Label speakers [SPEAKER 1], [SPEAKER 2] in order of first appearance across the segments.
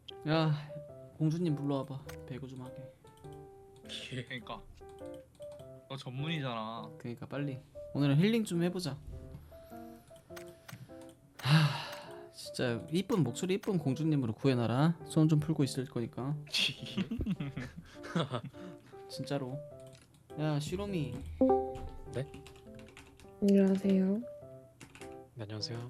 [SPEAKER 1] 야, 공주님 불러와봐. 배구 좀 하게.
[SPEAKER 2] 그러니까 너 전문이잖아.
[SPEAKER 1] 그러니까 빨리. 오늘은 힐링 좀 해보자. 하, 진짜 이쁜 목소리 이쁜 공주님으로 구해놔라. 손 좀 풀고 있을 거니까. 진짜로. 야, 시로미.
[SPEAKER 3] 안녕하세요.
[SPEAKER 4] 네, 안녕하세요.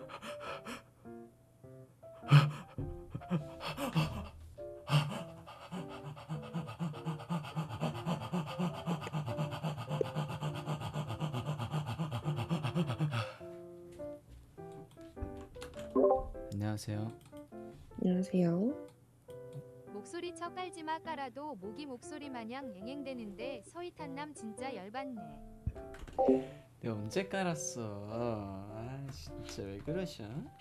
[SPEAKER 1] 안녕하세요.
[SPEAKER 3] 안녕하세요.
[SPEAKER 5] 목소리 쳐 깔지마 깔아도 모기 목소리 마냥 앵앵대는데 서희탄남 진짜 열받네.
[SPEAKER 1] 내가 언제 깔았어? 아, 진짜 왜 그러셔?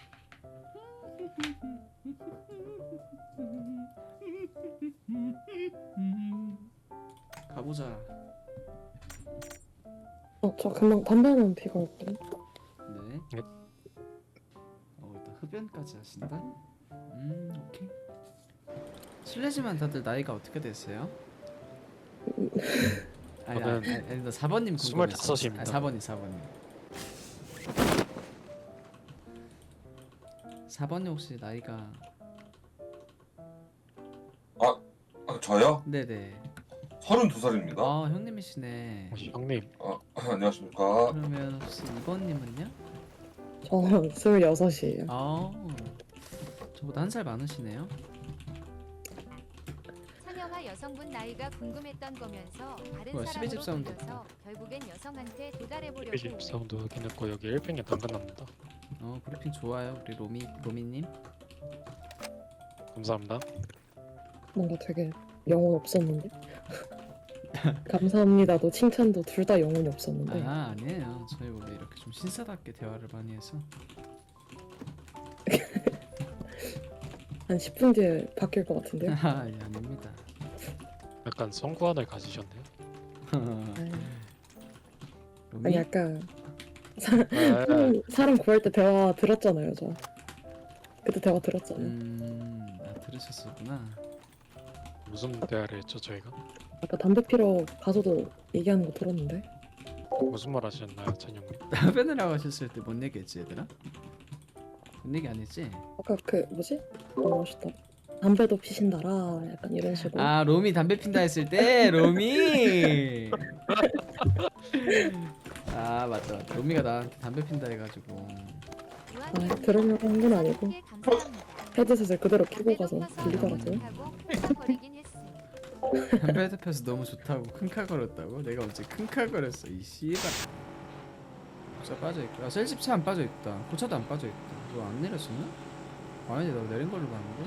[SPEAKER 1] 가보자.
[SPEAKER 3] 저 금방 담배 하나 피고 올게요.
[SPEAKER 1] 네.
[SPEAKER 4] 네.
[SPEAKER 1] 일단 흡연까지 하신다. 오케이. 실례지만 다들 나이가 어떻게 되세요? 아니,
[SPEAKER 4] 저는
[SPEAKER 1] 나 4번님 궁금했어.
[SPEAKER 4] 25입니다.
[SPEAKER 1] 4번님. 4번님 혹시 나이가?
[SPEAKER 6] 저요?
[SPEAKER 1] 네네.
[SPEAKER 6] 32살입니다.
[SPEAKER 1] 아, 형님이시네.
[SPEAKER 4] 형님,
[SPEAKER 6] 안녕하십니까.
[SPEAKER 1] 그러면 혹시 2번님은요?
[SPEAKER 3] 저 26이에요.
[SPEAKER 1] 아, 저보다 한 살 많으시네요.
[SPEAKER 5] 찬영아 여성분 나이가 궁금했던 거면서 다른
[SPEAKER 1] 뭐야, 12집
[SPEAKER 5] 사람으로
[SPEAKER 1] 사운드.
[SPEAKER 5] 돌려서 결국엔 여성한테 도달해보려고.
[SPEAKER 4] 피집 사운드 확인했고 여기 1팽에 당근 납니다.
[SPEAKER 1] 브리핑 좋아요, 우리 로미님.
[SPEAKER 4] 감사합니다.
[SPEAKER 3] 뭔가 되게 영혼 없었는데. 감사합니다도 칭찬도 둘 다 영혼이 없었는데.
[SPEAKER 1] 아, 아니에요. 저희 원래 이렇게 좀 신사답게 대화를 많이 해서.
[SPEAKER 3] 한 10분 뒤에 바뀔 것 같은데요.
[SPEAKER 1] 아, 예, 아닙니다.
[SPEAKER 4] 약간 성구안을 가지셨네요.
[SPEAKER 3] 아니
[SPEAKER 1] 로미?
[SPEAKER 3] 아까
[SPEAKER 4] 네.
[SPEAKER 3] 사람 구할 때 대화 들었잖아요, 저. 그때 대화 들었잖아요.
[SPEAKER 1] 들으셨었구나.
[SPEAKER 4] 무슨 대화를 했죠 저희가?
[SPEAKER 3] 아까 담배 피러 가서도 얘기하는 거 들었는데.
[SPEAKER 4] 무슨 말 하셨나요, 찬영님?
[SPEAKER 1] 답변을 하셨을 때 뭔 얘기했지, 얘들아? 뭔 얘기 안 했지?
[SPEAKER 3] 아까 그 뭐지? 뭐라 하셨다. 담배도 피신다라 약간 이런 식으로.
[SPEAKER 1] 아, 로미 담배 핀다 했을 때 로미. 아, 맞다. 로미가 나한테 담배 핀다 해가지고.
[SPEAKER 3] 들으려고 한 건 아니고
[SPEAKER 5] 감사합니다.
[SPEAKER 3] 헤드셋을 그대로 끼고 가서
[SPEAKER 5] 담배도
[SPEAKER 3] 들리더라고요.
[SPEAKER 5] 하고 끊어버리긴 했어.
[SPEAKER 1] 담배 펴서 너무 좋다고 킁칼거렸다고? 내가 언제 킁칼거렸어 이 씨발. 자, 빠져있고. 셀집 차 안 빠져있다. 고차도 안 빠져있다. 너 안 내렸었나? 아니지, 나 내린 걸로 봤는데.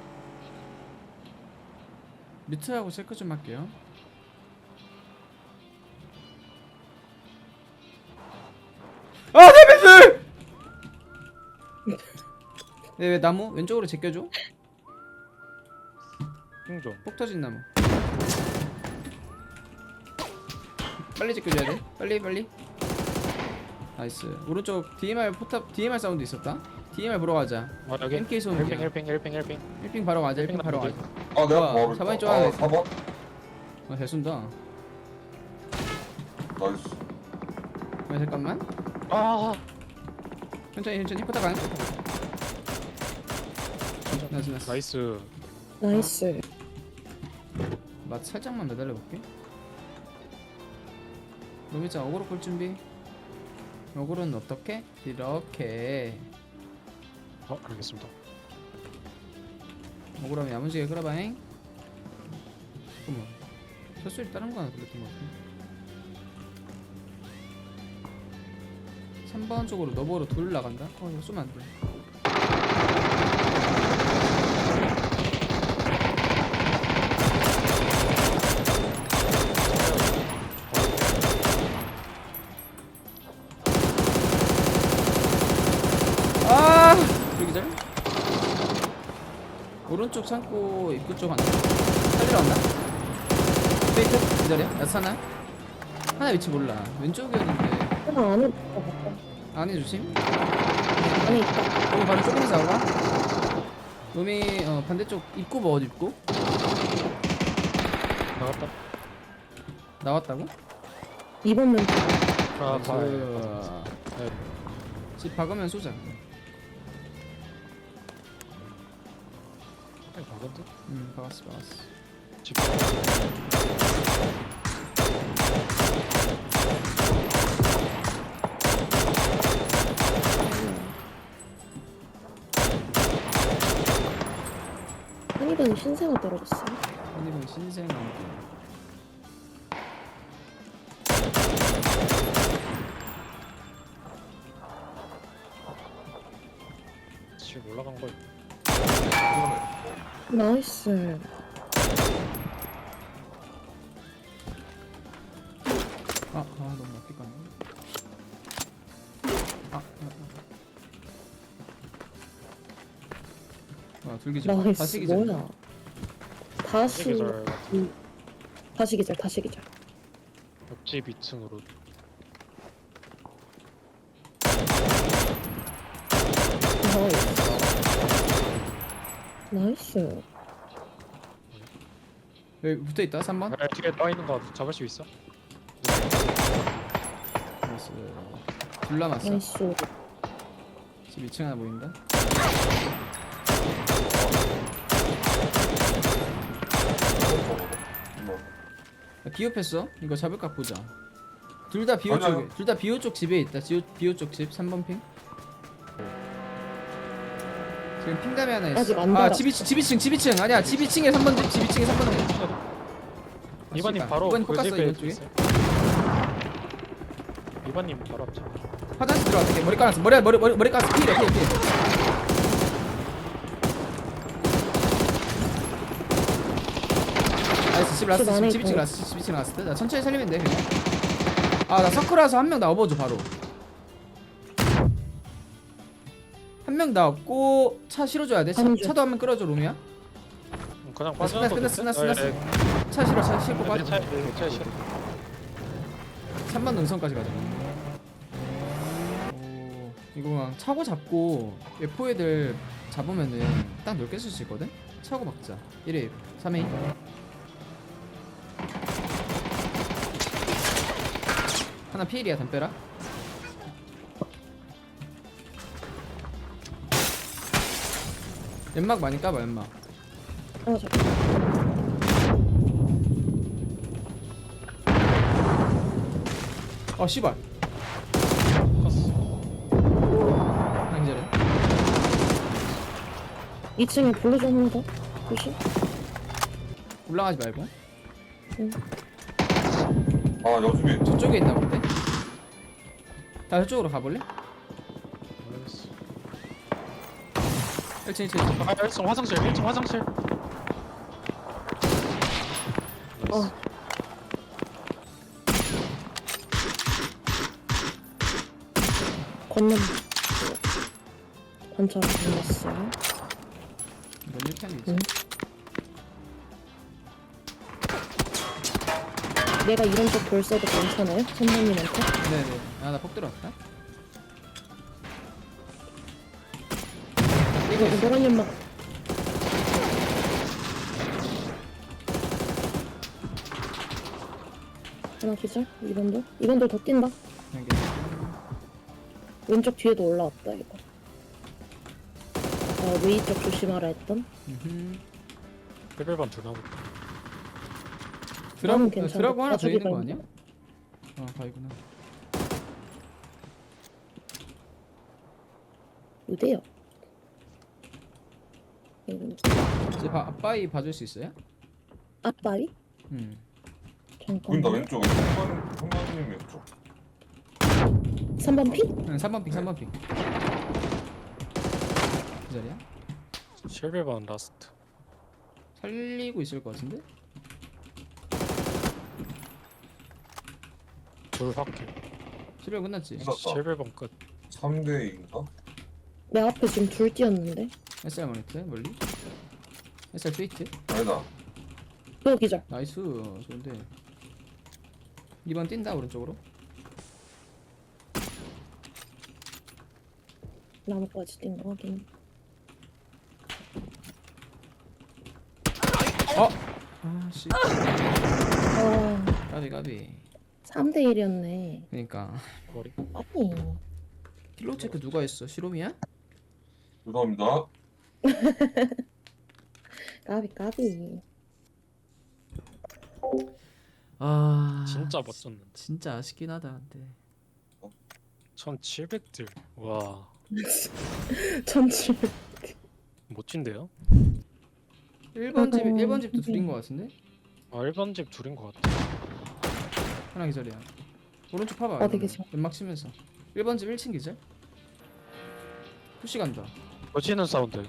[SPEAKER 1] 뮤트하고 체크 좀 할게요. 아, 담배들! 네, 왜 나무? 왼쪽으로 제껴줘?
[SPEAKER 4] 핑 좀.
[SPEAKER 1] 폭 터진 나무. 빨리 제껴줘야 돼. 빨리. 나이스. 오른쪽 DMR 포탑 DMR 사운드 있었다. DMR 보러 가자.
[SPEAKER 4] 여기
[SPEAKER 1] MK 소음기야.
[SPEAKER 4] 1팽.
[SPEAKER 1] 1핑 바로 가자. 1핑 바로 가자.
[SPEAKER 6] 내가
[SPEAKER 1] 뭐야,
[SPEAKER 6] 바로
[SPEAKER 1] 사번이
[SPEAKER 6] 있다.
[SPEAKER 1] 좋아하네.
[SPEAKER 6] 4번?
[SPEAKER 1] 잘 쏜다.
[SPEAKER 6] 나이스.
[SPEAKER 1] 잠깐만.
[SPEAKER 4] 아,
[SPEAKER 1] 천천히 포탑 안. 나이스.
[SPEAKER 4] 나이스.
[SPEAKER 3] 나이스.
[SPEAKER 1] 맛 살짝만 매달려 볼게. 로미짱 어그로 끌 준비. 어그로는 어떻게? 이렇게.
[SPEAKER 4] 알겠습니다.
[SPEAKER 1] 억울하면 야무지게 끌어봐잉. 잠깐만, 샷소리 다른 거 하나 들렸던 것 같아. 3번 쪽으로 너버로 둘 나간다? 이거 쏘면 안돼. 아! 여기절? 오른쪽 창고 입구 쪽 하나 살리러 왔나? 페이크? 기다려. 나타나? 하나 위치 몰라. 왼쪽이었는데.
[SPEAKER 3] 하나 안에
[SPEAKER 1] 안에 조심.
[SPEAKER 3] 안에 있다.
[SPEAKER 1] 여기 바로 조금에서 나가. 놈이 반대쪽 입구 뭐 어디 입구?
[SPEAKER 4] 나갔다.
[SPEAKER 1] 나왔다고?
[SPEAKER 3] 2번 면
[SPEAKER 4] 아,
[SPEAKER 1] 나이스.
[SPEAKER 4] 봐. 네.
[SPEAKER 1] 집 박으면 쏘자.
[SPEAKER 4] 박은데?
[SPEAKER 1] 박았어.
[SPEAKER 4] 집.
[SPEAKER 3] 한이번 신세가 떨어졌어요.
[SPEAKER 1] 한입은 신생 안개.
[SPEAKER 4] 집 올라간 거.
[SPEAKER 3] 나이스.
[SPEAKER 1] 너무 낮게 가네. 둘기절.
[SPEAKER 3] 나이스.
[SPEAKER 1] 다시 기절.
[SPEAKER 3] 뭐야? 다시
[SPEAKER 4] 계절
[SPEAKER 3] 다시 기절. 다시 기절.
[SPEAKER 4] 옆집 2층으로.
[SPEAKER 3] 나이스.
[SPEAKER 1] 여기 붙어 있다. 3번.
[SPEAKER 4] 아, 뒤에 떠 있는 거 잡을 수 있어?
[SPEAKER 1] 나이스. 둘 남았어.
[SPEAKER 3] 나이스.
[SPEAKER 1] 집 2층 하나 보인다. 비읍했어. 이거 잡을까 보자. 둘 다 비오
[SPEAKER 6] 아니야.
[SPEAKER 1] 쪽에. 둘 다 비오 쪽 집에 있다. 비오 쪽 집. 3번 핑. 지금 핑담이 하나 있어.
[SPEAKER 3] 아직 안 달아.
[SPEAKER 1] 집 2층. 아니야. 집 2층에 3번 집 2층에 3번 핑.
[SPEAKER 4] 이번님 바로
[SPEAKER 1] 이번
[SPEAKER 4] 그
[SPEAKER 1] 볶았어
[SPEAKER 4] 집에
[SPEAKER 1] 이번 쪽에.
[SPEAKER 4] 있어요. 이번님 바로 앞집.
[SPEAKER 1] 화장실 들어갔다. 머리 깔았어. 머리 깔았어. 피해. 나이스. 집 라스트.
[SPEAKER 3] 안에
[SPEAKER 1] 집 2층
[SPEAKER 3] 있고.
[SPEAKER 1] 라스트. 집 2층 라스트. 나 천천히 살리면 돼 그냥. 나 서클라서 한 명 나 업어줘 바로. 한 명 나 업고 차 실어줘야 돼.
[SPEAKER 3] 가는 중.
[SPEAKER 1] 차도 한 명 끌어줘 로미야.
[SPEAKER 4] 그냥 빠지는 거
[SPEAKER 1] 끝났어.
[SPEAKER 4] 네,
[SPEAKER 1] 차 실어. 차 싣고 빠져.
[SPEAKER 4] 차 실어.
[SPEAKER 1] 3번 능선까지 가자. 오, 이거 그냥 차고 잡고 F 애들 잡으면은 딱 넓게 쓸 수 있거든? 차고 박자. 1회, 3회. 하나 피일이야, 담벼라. 연막 많이 까봐, 연막. 씨발. 하나 기절해.
[SPEAKER 3] 2층에 블루존 한다. 조심.
[SPEAKER 1] 올라가지 말고.
[SPEAKER 6] 여집이
[SPEAKER 1] 저쪽에 있나 본데? 다 저쪽으로 가볼래?
[SPEAKER 4] 모르겠어.
[SPEAKER 1] 1층 1층.
[SPEAKER 4] 1층 화장실. 1층 화장실.
[SPEAKER 3] 건넌. 관찰 건넜어요.
[SPEAKER 1] 이건 1편이 있지.
[SPEAKER 3] 응. 내가 이런 쪽 돌 써도 괜찮아요? 선생님한테?
[SPEAKER 1] 네네. 나 폭 들어왔다.
[SPEAKER 3] 이거 노란 연막. 하나 기절? 이번도? 이번도 더 뛴다.
[SPEAKER 1] 여기.
[SPEAKER 3] 왼쪽 뒤에도 올라왔다 이거. 웨이 쪽 조심하라 했던.
[SPEAKER 4] 레벨반 둘 나오고.
[SPEAKER 3] 나는 괜찮아.
[SPEAKER 1] 드라고 하나 더
[SPEAKER 3] 가죽이
[SPEAKER 1] 있는 거
[SPEAKER 3] 많은데?
[SPEAKER 1] 아니야? 바이구나.
[SPEAKER 3] 어디요?
[SPEAKER 1] 이제 아빠이 봐줄 수 있어요?
[SPEAKER 3] 앞발이?
[SPEAKER 6] 보인다
[SPEAKER 3] 잠깐만.
[SPEAKER 6] 왼쪽에 형님 왼쪽
[SPEAKER 3] 3번 피?
[SPEAKER 1] 응, 3번 핑, 3번 핑. 그 자리야?
[SPEAKER 4] 실베반 라스트.
[SPEAKER 1] 살리고 있을 것 같은데?
[SPEAKER 4] 돌 확킬.
[SPEAKER 1] 실력 끝났지?
[SPEAKER 6] 끝났다
[SPEAKER 4] 실베반 끝.
[SPEAKER 6] 3대2인가?
[SPEAKER 3] 내 앞에 지금 둘 뛰었는데.
[SPEAKER 1] SR 모니터 멀리? SR 스위트?
[SPEAKER 6] 아니다
[SPEAKER 3] 또 기절.
[SPEAKER 1] 나이스 좋은데 2번 뛴다 오른쪽으로.
[SPEAKER 3] 나무까지 뛴 거 확인.
[SPEAKER 1] 아씨
[SPEAKER 3] 아,
[SPEAKER 1] 까비
[SPEAKER 3] 3대 1이었네.
[SPEAKER 1] 그니까
[SPEAKER 4] 머리.
[SPEAKER 3] 아니.
[SPEAKER 1] 킬로 체크 누가 했어? 시롬이야?
[SPEAKER 6] 죄송합니다.
[SPEAKER 3] 까비.
[SPEAKER 1] 아
[SPEAKER 4] 진짜 멋졌는데.
[SPEAKER 1] 진짜 아쉽긴 하다 근데
[SPEAKER 4] 1700딜. 와,
[SPEAKER 3] 1700.
[SPEAKER 4] 멋진데요?
[SPEAKER 1] 1번 집
[SPEAKER 3] 아이고,
[SPEAKER 1] 1번 집도
[SPEAKER 3] 선생님.
[SPEAKER 1] 둘인 거 같은데?
[SPEAKER 4] 아, 1번 집 둘인 것 같아.
[SPEAKER 1] 하나 기절이야 오른쪽 봐봐
[SPEAKER 3] 어디
[SPEAKER 1] 이거는.
[SPEAKER 3] 계셔?
[SPEAKER 1] 연막 치면서 1번 집 1층 기절 푸시 간다
[SPEAKER 4] 멋지는 사운드.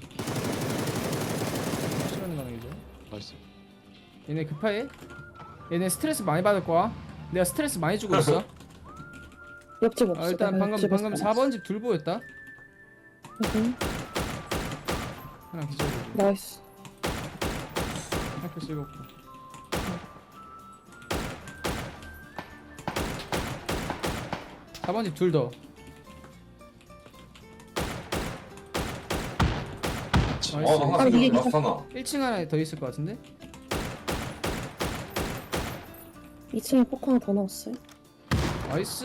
[SPEAKER 1] 푸시 가는 가는 기절
[SPEAKER 4] 나이스.
[SPEAKER 1] 얘네 급해 얘네 스트레스 많이 받을 거야 내가 스트레스 많이 주고 있어
[SPEAKER 3] 옆집 없어.
[SPEAKER 1] 일단
[SPEAKER 3] 내가
[SPEAKER 1] 방금
[SPEAKER 3] 옆집에서
[SPEAKER 1] 4번 집 둘 보였다
[SPEAKER 3] 응.
[SPEAKER 1] 하나 기절이고
[SPEAKER 3] 나이스.
[SPEAKER 1] 학교 즐겁고 4번 집 둘 더
[SPEAKER 6] 아,
[SPEAKER 1] 나이스
[SPEAKER 6] 나 하나
[SPEAKER 3] 아, 이게
[SPEAKER 6] 생겼어. 라스트 하나.
[SPEAKER 1] 1층 하나 더 있을 것 같은데?
[SPEAKER 3] 2층에 폭 하나 더 넣었어요.
[SPEAKER 1] 나이스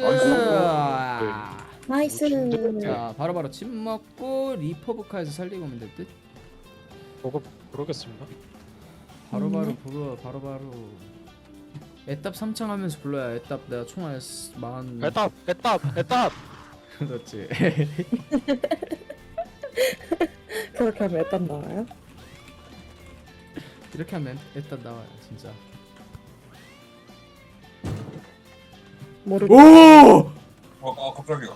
[SPEAKER 3] 나이스.
[SPEAKER 1] 자 바로바로 집 먹고 리퍼브카에서 살리고 오면 될 듯?
[SPEAKER 4] 보고 부르겠습니다.
[SPEAKER 1] 바로바로 불러 바로바로 애답 3창 하면서 불러야 애답 내가 총알 만
[SPEAKER 4] 애답.
[SPEAKER 1] 그렇지
[SPEAKER 3] 그렇게 하면 일단 나와요?
[SPEAKER 1] 이렇게 하면 애답 나와요 진짜
[SPEAKER 3] 모르겠.
[SPEAKER 1] 오!
[SPEAKER 6] 갑자기야.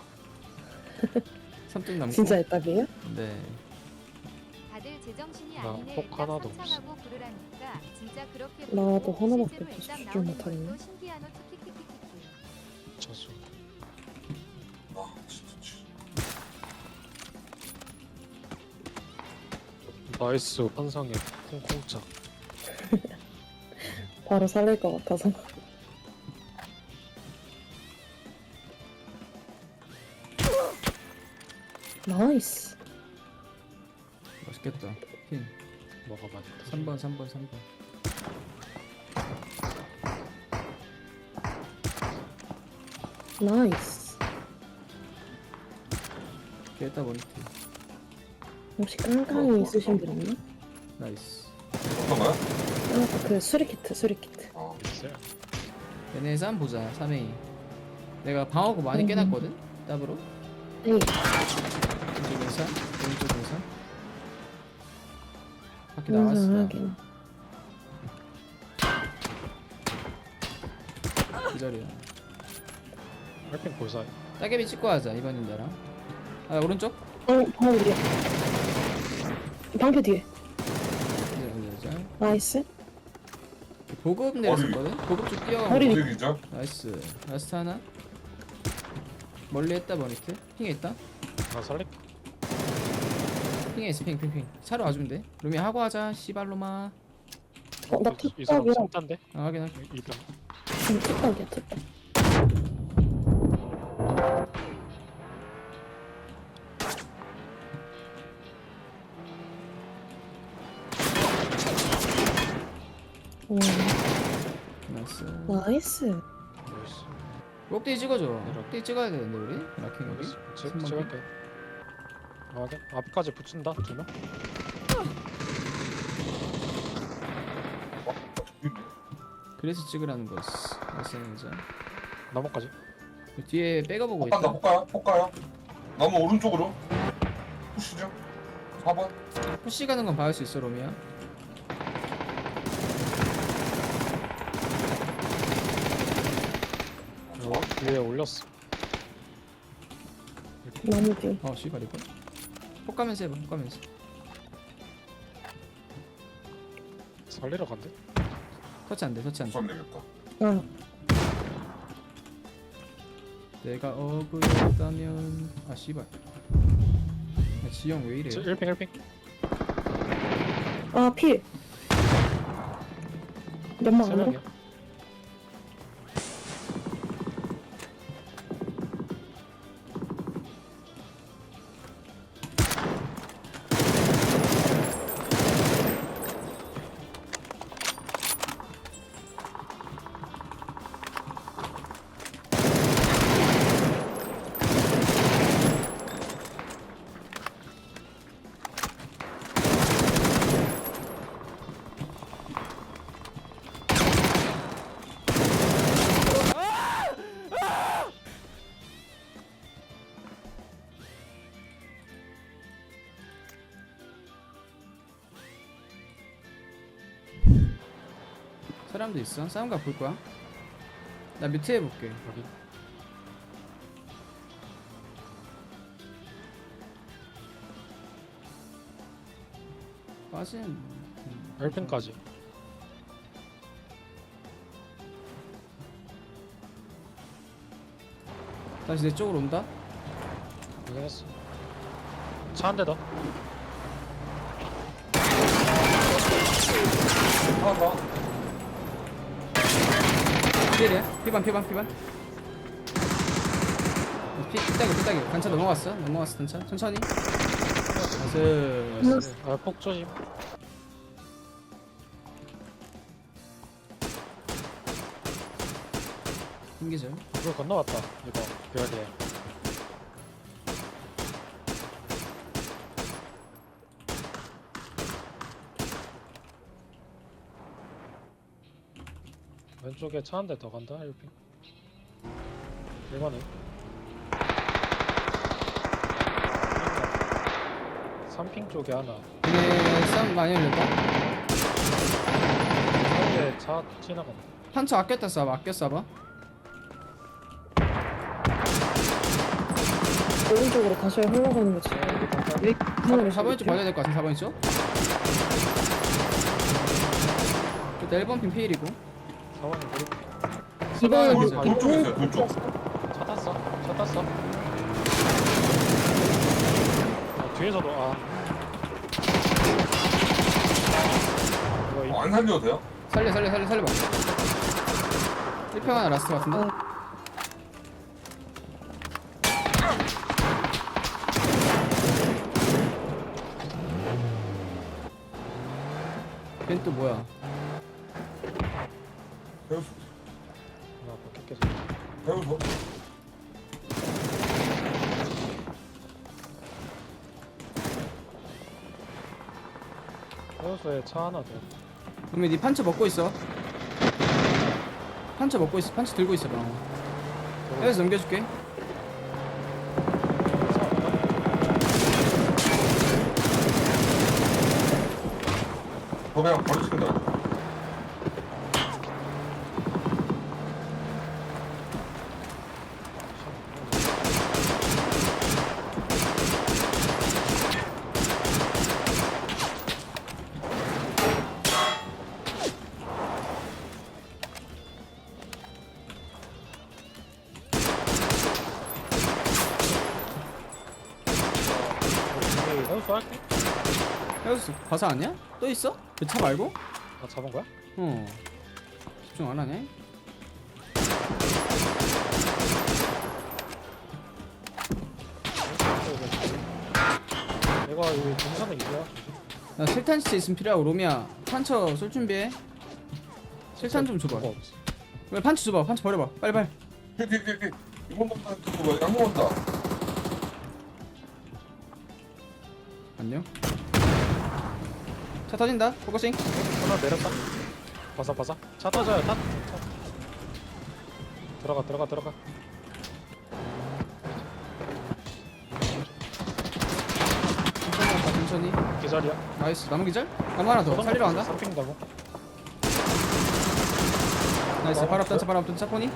[SPEAKER 1] 3등 남고
[SPEAKER 3] 진짜 애답이에요?
[SPEAKER 1] 네
[SPEAKER 5] 다들 제정신이
[SPEAKER 4] 나
[SPEAKER 5] 아니네.
[SPEAKER 4] 폭 하나도 없어.
[SPEAKER 5] 상상하고 부르라니까 진짜 그렇게
[SPEAKER 3] 나도
[SPEAKER 5] 부르고
[SPEAKER 3] 하나밖에
[SPEAKER 5] 실제로
[SPEAKER 3] 없어.
[SPEAKER 5] 애답
[SPEAKER 3] 집중
[SPEAKER 5] 나오는
[SPEAKER 3] 못하겠네.
[SPEAKER 5] 것도 신기하노 키키키키키.
[SPEAKER 4] 저수.
[SPEAKER 6] 아, 진짜.
[SPEAKER 4] 나이스. 환상의 콩콩차.
[SPEAKER 3] 바로 살릴 것 같아서. 나이스.
[SPEAKER 1] 맛있겠다 핀
[SPEAKER 4] 먹어봐야
[SPEAKER 1] 3번 3번
[SPEAKER 3] 나이스.
[SPEAKER 1] 애답 원티
[SPEAKER 3] 혹시 깡깡이 있으신 분 있나?
[SPEAKER 1] 나이스
[SPEAKER 6] 어떤 거야?
[SPEAKER 3] 그 수리키트.
[SPEAKER 6] 아,
[SPEAKER 4] 있어요.
[SPEAKER 1] 얘네에서 한번 보자 3A 내가 방어구 많이 깨놨거든? 답으로
[SPEAKER 3] 에이,
[SPEAKER 1] 왼쪽 인사 오른쪽 인사 밖에 나왔어
[SPEAKER 3] 인상하긴.
[SPEAKER 1] 기절이야
[SPEAKER 4] 헬핑 볼사이.
[SPEAKER 1] 따개비 찍고 하자 이번인 나랑 아 오른쪽
[SPEAKER 3] 바로 뒤에. 방패 뒤에.
[SPEAKER 1] 기절
[SPEAKER 3] 나이스.
[SPEAKER 1] 보급 내렸었거든? 보급 쪽 뛰어가고
[SPEAKER 3] 머리
[SPEAKER 6] 어디 기죠?
[SPEAKER 1] 나이스 라스트 하나 멀리 했다 버니트 핑에 있다
[SPEAKER 4] 나 살릴게.
[SPEAKER 1] 핑에 있어 핑 차로 와주면 돼 루미 하고 하자 씨발로마
[SPEAKER 3] 나
[SPEAKER 4] 이 사람
[SPEAKER 3] 툭박이랑.
[SPEAKER 4] 삼단데?
[SPEAKER 1] 아 확인할게
[SPEAKER 4] 이병.
[SPEAKER 3] 툭박이야, 툭박.
[SPEAKER 1] 나이스
[SPEAKER 3] 나이스.
[SPEAKER 4] 나이스.
[SPEAKER 1] 록데이 찍어줘 록데이 찍어야 되는데 우리? 라킹 여기?
[SPEAKER 4] 알겠어.
[SPEAKER 1] 신발
[SPEAKER 4] 찍을게. 아, 네. 앞까지 붙인다. 2명.
[SPEAKER 1] 그래서 찍으라는 거였어 나이스 이제
[SPEAKER 4] 나무까지.
[SPEAKER 1] 그 뒤에 백업보고
[SPEAKER 6] 폭간다,
[SPEAKER 1] 있다
[SPEAKER 6] 폭가요? 나무 오른쪽으로. 푸시죠. 4번.
[SPEAKER 1] 푸시 가는 건 봐줄 수 있어 로미야
[SPEAKER 4] 위에 올렸어.
[SPEAKER 3] 나무 뒤.
[SPEAKER 1] 씨발 이거 폭 가면서 해봐 폭 가면서
[SPEAKER 4] 살리러 간대.
[SPEAKER 1] 터치 안돼 터치 안돼
[SPEAKER 6] 부산 되겠다.
[SPEAKER 3] 아,
[SPEAKER 1] 내가 억울했다면 아 씨발 야, 지영 왜 이래
[SPEAKER 4] 1핑.
[SPEAKER 3] 아, 필. 연막
[SPEAKER 4] 세
[SPEAKER 3] 안으로?
[SPEAKER 4] 명이야.
[SPEAKER 1] 사람도 있어. 싸움가 볼 거야. 나 뮤트 해볼게.
[SPEAKER 4] 여기.
[SPEAKER 1] 빠진.
[SPEAKER 4] 1핀까지.
[SPEAKER 1] 다시 내 쪽으로 온다.
[SPEAKER 4] 확인했어. 차 한 대 더.
[SPEAKER 6] 하나 더.
[SPEAKER 1] 피해야. 피반. 피따기. 단차 넘어갔어. 단차. 천천히. 나이스.
[SPEAKER 4] 아, 폭 조심.
[SPEAKER 1] 힘기절.
[SPEAKER 4] 이걸 건너왔다. 이거 별개. 왼쪽에 차 한 대 더 간다. 1핀. 1번에 3핑 쪽에 하나.
[SPEAKER 1] 얘네 싸움 많이 열렸다.
[SPEAKER 4] 한대 차 지나간다.
[SPEAKER 1] 판처 아껴 쏴봐.
[SPEAKER 3] 오른쪽으로 다시 흘러가는 거지. 왜 하나를
[SPEAKER 1] 4번 쪽 봐야 될 것 같아. 4번 쪽. 일단 1번 핀 피일이고.
[SPEAKER 4] 4번이 머리.
[SPEAKER 3] 이번은
[SPEAKER 1] 돌-
[SPEAKER 6] 돌 쪽에 있어요, 돌 쪽.
[SPEAKER 4] 차 탔어. 뒤에서도 이거
[SPEAKER 6] 안 살려도 돼요?
[SPEAKER 1] 살려봐. 1평 하나 라스트 같은데? 걘 또 뭐야?
[SPEAKER 6] 배우소.
[SPEAKER 4] 바뀌었겠어.
[SPEAKER 6] 배우소.
[SPEAKER 4] 해우소에 차 하나 더.
[SPEAKER 1] 그러면 니 판처 먹고 있어. 판처 들고 있어. 여기서 넘겨줄게.
[SPEAKER 6] 저 그냥 버리시면
[SPEAKER 4] 해우소 할게.
[SPEAKER 1] 여기서 과사 아니야? 또 있어? 그 차 말고?
[SPEAKER 4] 다 잡은 거야?
[SPEAKER 1] 어. 집중 안 하네.
[SPEAKER 4] 내가 여기 동선에 있어요.
[SPEAKER 1] 나 실탄 시체 있으면 필요하고. 로미야 판처 쏠 준비해. 실탄 좀 줘봐.
[SPEAKER 4] 뭐가 없어.
[SPEAKER 1] 왜 판처 줘봐. 판처 버려봐. 빨리.
[SPEAKER 6] 픽. 이번 먹다 그거 양모 온다.
[SPEAKER 1] 안녕. 차 터진다. 포커싱.
[SPEAKER 4] 하나 내렸다. 바사. 차 터져요. 타. 들어가.
[SPEAKER 1] 천천히.
[SPEAKER 4] 기절이야.
[SPEAKER 1] 나이스. 남은 기절? 나무 하나 더. 살리러 간다.
[SPEAKER 4] 3핑다고.
[SPEAKER 1] 나이스. 바로 앞단 차 포니.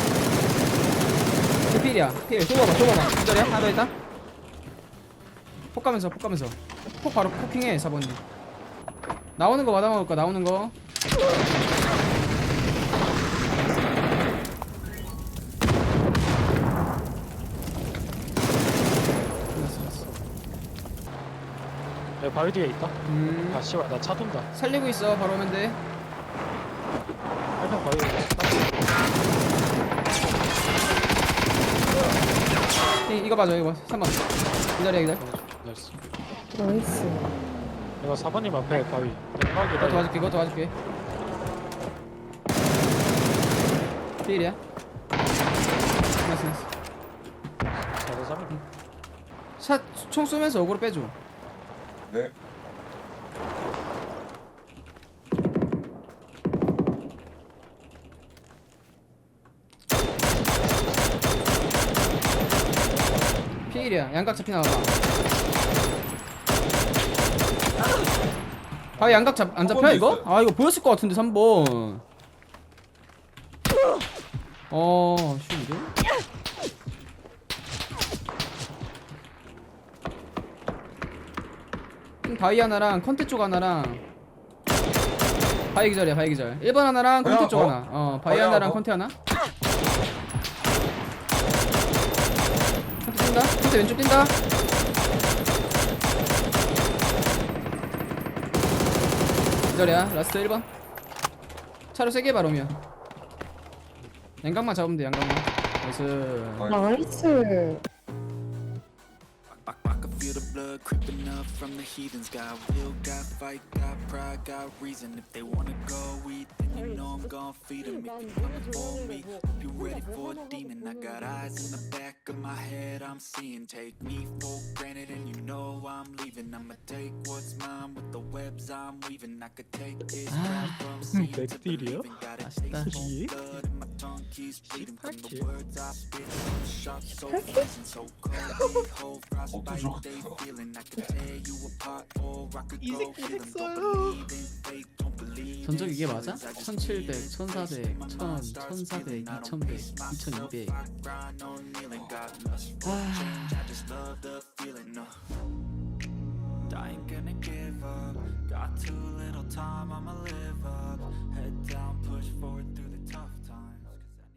[SPEAKER 1] 필이야. 필. 쏘봐봐. 기절이야? 하나 더 있다. 폭 가면서. 폭 바로 포킹해. 4번님. 나오는 거 받아먹을 거야. 나오는 거. 끝났어.
[SPEAKER 4] 여기 바위 뒤에 있다. 아 씨발 나 차 돈다.
[SPEAKER 1] 살리고 있어. 바로 오면 돼.
[SPEAKER 4] 1 평 바위 뒤에
[SPEAKER 1] 이거 봐줘. 이거 3번. 기다려.
[SPEAKER 4] 나이스.
[SPEAKER 3] 나이스.
[SPEAKER 4] 내가 4번님 앞에 바위. 내가
[SPEAKER 1] 이거 도와줄게. 필이야. 나이스.
[SPEAKER 4] 4대3.
[SPEAKER 1] 총 쏘면서 어그로 빼줘.
[SPEAKER 6] 네.
[SPEAKER 1] 필이야. 양각 잡히 나와봐. 바위 양각 안 잡혀 이거? 아 이거 보였을 것 같은데 3번. 쉬운데? 바위 하나랑 컨테 쪽 하나랑 바위 기절이야 바위 기절 1번 하나랑 컨테 쪽
[SPEAKER 6] 어?
[SPEAKER 1] 하나 바위
[SPEAKER 6] 바위
[SPEAKER 1] 하나랑
[SPEAKER 6] 하나
[SPEAKER 1] 컨테 하나 컨테 뛴다 컨테 왼쪽 뛴다 기절이야 라스트 1번 차로 세게 봐 로미야 양각만 잡으면 돼 양각만 나이스
[SPEAKER 3] 나이스.
[SPEAKER 7] I can feel the blood creeping up from the heathens. Got will, got fight, got pride, got reason. If they wanna go eat, then you know I'm gon' feed them. If you coming for me, hope you ready for a demon. I got eyes in the back of my head, I'm seeing. Take me for granted and you know I'm leaving. I'ma take what's mine with the webs I'm weaving. I could take this rap from seeing to
[SPEAKER 4] 넥딜이요?
[SPEAKER 7] believing. Got a
[SPEAKER 1] 맛있다.
[SPEAKER 7] taste for blood and my tongue keeps bleeding from the words I spit. Sharp, so freezing, so cold. Whole frostbite, they feeling. I could tear you apart or I could go heal them. Don't believe in fate, don't believe in
[SPEAKER 1] 전적 이게 맞아?
[SPEAKER 7] feelings. I just
[SPEAKER 1] 1700,
[SPEAKER 7] feel it.
[SPEAKER 1] 1400, 1000, 1400, 2100, 2200
[SPEAKER 7] I ain't gonna give up. Got too little time, I'ma